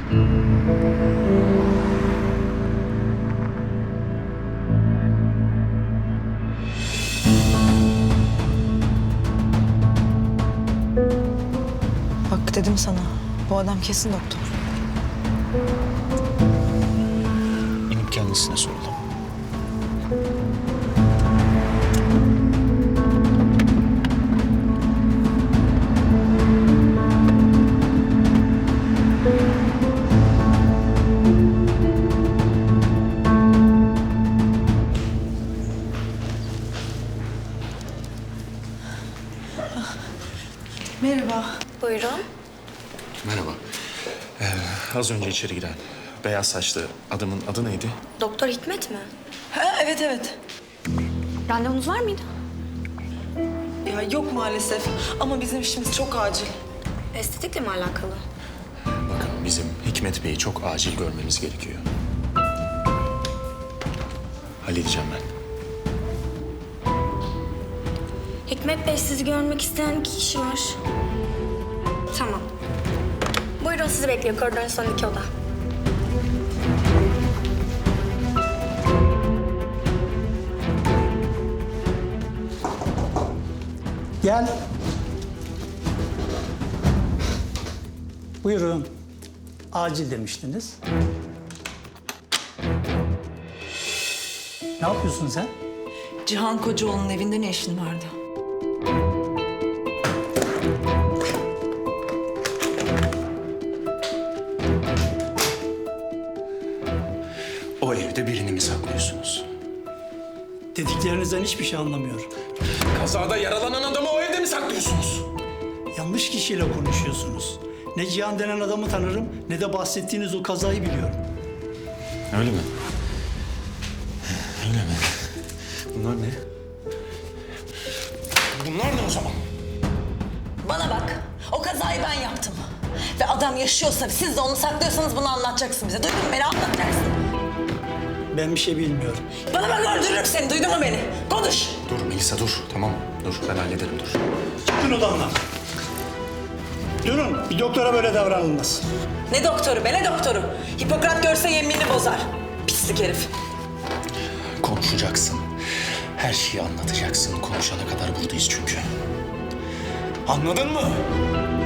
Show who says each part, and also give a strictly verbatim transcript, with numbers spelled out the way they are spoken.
Speaker 1: Bak dedim sana, bu adam kesin doktor.
Speaker 2: İnip kendisine soralım.
Speaker 1: Merhaba.
Speaker 3: Buyurun.
Speaker 2: Merhaba. Ee, az önce içeri giren beyaz saçlı adamın adı neydi?
Speaker 3: Doktor Hikmet mi?
Speaker 1: Ha, evet evet.
Speaker 3: Randevunuz var mıydı?
Speaker 1: Ya yok maalesef ama bizim işimiz çok acil.
Speaker 3: Estetikle mi alakalı?
Speaker 2: Bakın bizim Hikmet Bey'i çok acil görmemiz gerekiyor. Halledeceğim ben.
Speaker 3: Hikmet Bey, sizi görmek isteyen iki kişi var. Tamam. Buyurun, sizi bekliyor. Koridorun son iki oda.
Speaker 4: Gel. Buyurun. Acil demiştiniz. Ne yapıyorsun sen?
Speaker 1: Cihan Kocaoğlu'nun evinde ne işin vardı?
Speaker 2: O evde birini mi saklıyorsunuz?
Speaker 4: Dediklerinizden hiçbir şey anlamıyorum.
Speaker 2: Kazada yaralanan adamı o evde mi saklıyorsunuz?
Speaker 4: Yanlış kişiyle konuşuyorsunuz. Ne Cihan denen adamı tanırım, ne de bahsettiğiniz o kazayı biliyorum.
Speaker 2: Öyle mi? Öyle mi? Bunlar ne? Bunlar ne o zaman?
Speaker 1: Bana bak, o kazayı ben yaptım. Ve adam yaşıyorsa, siz de onu saklıyorsanız bunu anlatacaksın bize. Duydun mu beni? Anlatacaksın.
Speaker 4: Ben bir şey bilmiyorum.
Speaker 1: Bana bak, öldürürüm seni. Duydun mu beni? Konuş.
Speaker 2: Dur Melisa dur. Tamam dur ben hallederim dur.
Speaker 4: Çıkın odamdan. Durun, bir doktora böyle davranılmaz.
Speaker 1: Ne doktoru be, ne doktoru? Hipokrat görse yeminini bozar. Pislik herif.
Speaker 2: Konuşacaksın. Her şeyi anlatacaksın. Konuşana kadar buradayız çünkü. Anladın mı?